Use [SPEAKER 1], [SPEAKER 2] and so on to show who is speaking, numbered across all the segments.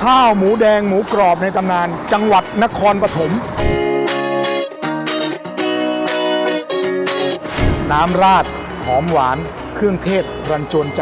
[SPEAKER 1] ข้าวหมูแดงหมูกรอบในตำนานจังหวัดนครปฐมน้ำราดหอมหวานเครื่องเทศรันจวนใจ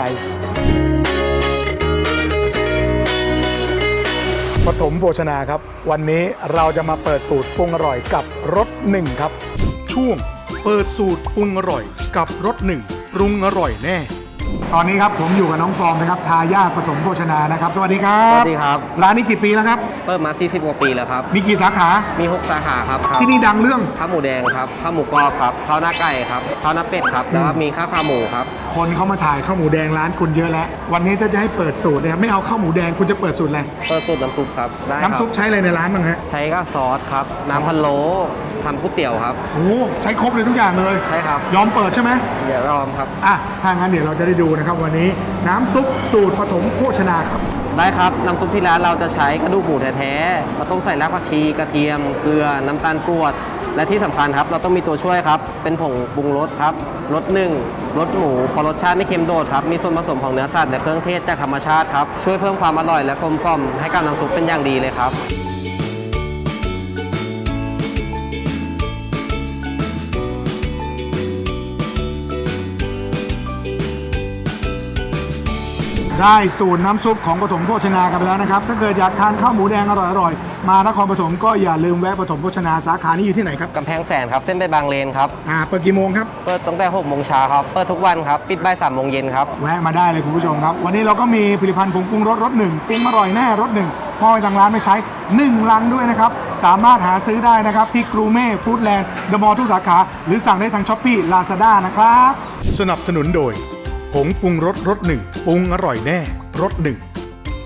[SPEAKER 1] ปฐมโภชนาครับวันนี้เราจะมาเปิดสูตรปรุงอร่อยกับรสหนึ่งครับช่วงเปิดสูตรปรุงอร่อยกับรสหนึ่งปรุงอร่อยแน่ตอนนี้ครับผมอยู่กับน้องฟอร์มนะครับทายาทปฐมโภชนานะครับสวัสดีครับ
[SPEAKER 2] สวัสดีครับ
[SPEAKER 1] ร้านนี้กี่ปีแล้วครับ
[SPEAKER 2] เปิดมา40กว่าปีแล้วครับ
[SPEAKER 1] มีกี่สาขา
[SPEAKER 2] มี6สาขาครับ
[SPEAKER 1] ที่นี่ดังเรื่อง
[SPEAKER 2] ข้าวหมูแดงครับข้าวหมูกรอบครับข้าวหน้าไก่ครับข้าวหน้าเป็ดครับแล้วก็มีข้าวขาหมูครับ
[SPEAKER 1] คนเขามาถ่ายข้าวหมูแดงร้านคุณเยอะแล้ววันนี้ถ้าจะให้เปิดสูตรเนี่ยไม่เอาข้าวหมูแดงคุณจะเปิดสูตรอะไร
[SPEAKER 2] เปิดสูตรน้ำซุปครับได้ครับ
[SPEAKER 1] น้ำซุปใช้อะไรในร้านบ้างฮะ
[SPEAKER 2] ใช้ก็ซอสครับน้ำพะโล้ทำก๋วยเตี๋ยวครับ
[SPEAKER 1] โอ้ใช้ครบเลยทุกอย่างเลย
[SPEAKER 2] ใช่ครับ
[SPEAKER 1] ยอมเปิดใช่ไหม
[SPEAKER 2] เดี๋ยวยอมครับ
[SPEAKER 1] ถ้างั้นเดี๋ยวเราจะได้ดูนะครับวันนี้น้ำซุปสูตรปฐมโภชนาครับ
[SPEAKER 2] ได้ครับน้ำซุปที่ร้านเราจะใช้กระดูกหมูแท้ๆเราต้องใส่รากผักชีกระเทียมเกลือน้ำตาลกรวดและที่สำคัญครับเราต้องมีตัวช่วยครับเป็นผงปรุงรสครับรสหนึ่งรสหมูพอรสชาติไม่เค็มโดดครับมีส่วนผสมของเนื้อสัตว์และเครื่องเทศจากธรรมชาติครับช่วยเพิ่มความอร่อยและกลมกล่อมให้กับน้ำซุปเป็นอย่างดีเลยครับ
[SPEAKER 1] ได้สูตรน้ำซุปของปฐมโภชนากันไปแล้วนะครับถ้าเกิดอยากทานข้าวหมูแดงอร่อยๆมานครปฐมก็อย่าลืมแวะปฐมโภชนาสาขานี้อยู่ที่ไหนครับ
[SPEAKER 2] กำแพงแสนครับเส้นไปบางเลนครับ
[SPEAKER 1] เปิดกี่โมงครับ
[SPEAKER 2] เปิดตั้งแต่6 โมงเช้าครับเปิดทุกวันครับปิดบ่าย3 โมงเย็นครับ
[SPEAKER 1] แวะมาได้เลยคุณผู้ชมครับวันนี้เราก็มีผลิตภัณฑ์ผงปรุงรสรสหนึ่งปรุงอร่อยแน่รสหนึ่งพ่อไปทางร้านไม่ใช้1 ลังด้วยนะครับสามารถหาซื้อได้นะครับที่กรูเม่ฟู้ดแลนด์เดอะมอลล์ทุกสาขาหรือสั่งได้ทางช้อปปี้ลาซาด้านะครับสนับสนุนโดยผงปรุงรสรสหนึ่งปรุงอร่อยแน่รสหนึ่ง